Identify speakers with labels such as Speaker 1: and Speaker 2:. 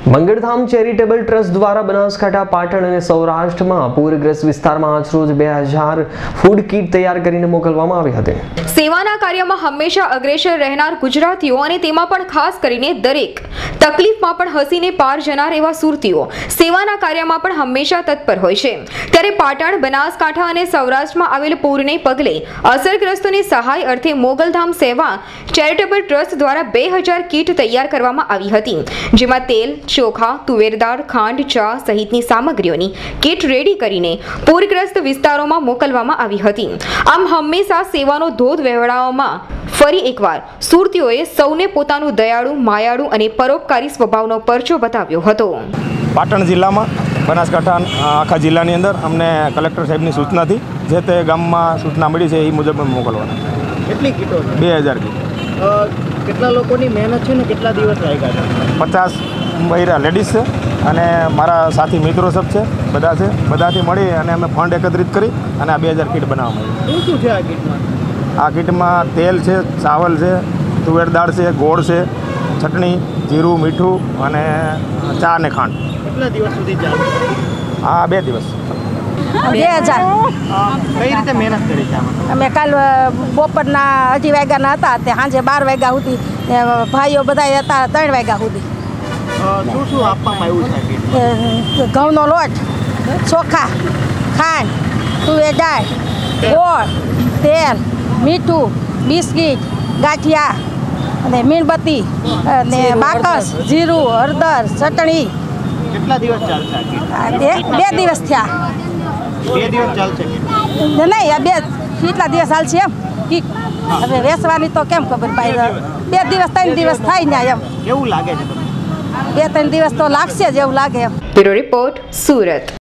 Speaker 1: મંગળધામ charitable trust દ્વારા બનાસકાંઠા, પાટણ અને સૌરાષ્ટ્રમાં પૂરગ્રસ્ત વિસ્તારમાં આજરોજ 2000 ફૂડ કીટ તૈયાર કરીને મોકલવામાં આવી હતી।
Speaker 2: સેવાના કાર્યમાં હંમેશા અગ્રેસર રહેનાર ગુજરાતીઓ અને તેમાં પણ ખાસ કરીને દરેક તકલીફમાં પણ હસીને પાર જનાર એવા સુરતીઓ સેવાના કાર્યમાં પણ હંમેશા તત્પર હોય છે। ત્યારે પાટણ, બનાસકાંઠા અને સૌરાષ્ટ્રમાં આવેલ પૂરને પગલે અસરગ્રસ્તોની સહાય અર્થે મોગલધામ સેવા ચેરિટેબલ ટ્રસ્ટ દ્વારા 2000 કીટ તૈયાર કરવામાં આવી હતી, જેમાં તેલ, ચોખા, તુવેર દાળ, ખાંડ, ચા સહિતની સામગ્રીઓની કીટ રેડી કરીને પૂરગ્રસ્ત વિસ્તારોમાં મોકલવામાં આવી હતી। આમ હંમેશા સેવાનો ધોધ વહેવડાવવામાં ફરી એકવાર સુરતીઓએ સૌને પોતાનું દયાળુ, માયાળુ અને પરોપકારી સ્વભાવનો પરચો બતાવ્યો હતો।
Speaker 3: પાટણ જિલ્લામાં, બનાસકાંઠા આખા જિલ્લાની અંદર અમને કલેક્ટર સાહેબની સૂચનાથી જે તે ગામમાં સૂચના મળી છે એ મુજબ મોકલવાના।
Speaker 4: કેટલી કીટો?
Speaker 3: 2000 કીટ।
Speaker 4: કેટલા લોકોની મહેનત છે ને કેટલા દિવસ લાગ્યા હતા?
Speaker 3: 50 મહિલા લેડીઝ છે અને મારા સાથી મિત્રો સબ છે, બધા છે, બધાથી મળી અને અમે ફંડ એકત્રિત કરી અને આ 2000 કીટ બનાવવામાં આવી।
Speaker 4: શું છે આ કીટમાં?
Speaker 3: આ કીટમાં તેલ છે, ચાવલ છે, તુવેર દાળ છે, ગોળ છે, ચટણી, જીરું, મીઠું અને ચા અને ખાંડ।
Speaker 4: કેટલા દિવસ સુધી ચાલશે?
Speaker 3: આ 2 દિવસ।
Speaker 5: 2000
Speaker 4: કઈ રીતે મહેનત કરી છે આમાં?
Speaker 5: અમે કાલ બપોરના 2:30 વાગ્યાના હતા તે સાંજે 12 વાગ્યા સુધી ભાઈઓ બધા હતા 3 વાગ્યા સુધી।
Speaker 4: શું શું આપવામાં આવ્યું છે કીટ?
Speaker 5: ઘઉંનો લોટ, ચોખા, ખાંડ, તુવેર દાળ, ગોળ, તેલ, મીઠું, બિસ્કીટ, ગાંઠિયા અને મીણબત્તી અને બાકસ, જીરું, હળદર, ચટણી।
Speaker 4: કેટલા દિવસ ચાલશે આ કીટ?
Speaker 5: 2 દિવસ થયા।
Speaker 4: 2 દિવસ ચાલશે કીટ?
Speaker 5: નહીં, આ કેટલા દિવસ ચાલશે એમ કીટ હવે વેચવાની તો કેમ ખબર પાય? 2 દિવસ 3 દિવસ થાય ને એમ।
Speaker 4: કેવું લાગે છે તમને?
Speaker 5: 2-3 દિવસ તો લાગશે જ એવું લાગે એમ।
Speaker 2: Bureau report, Surat.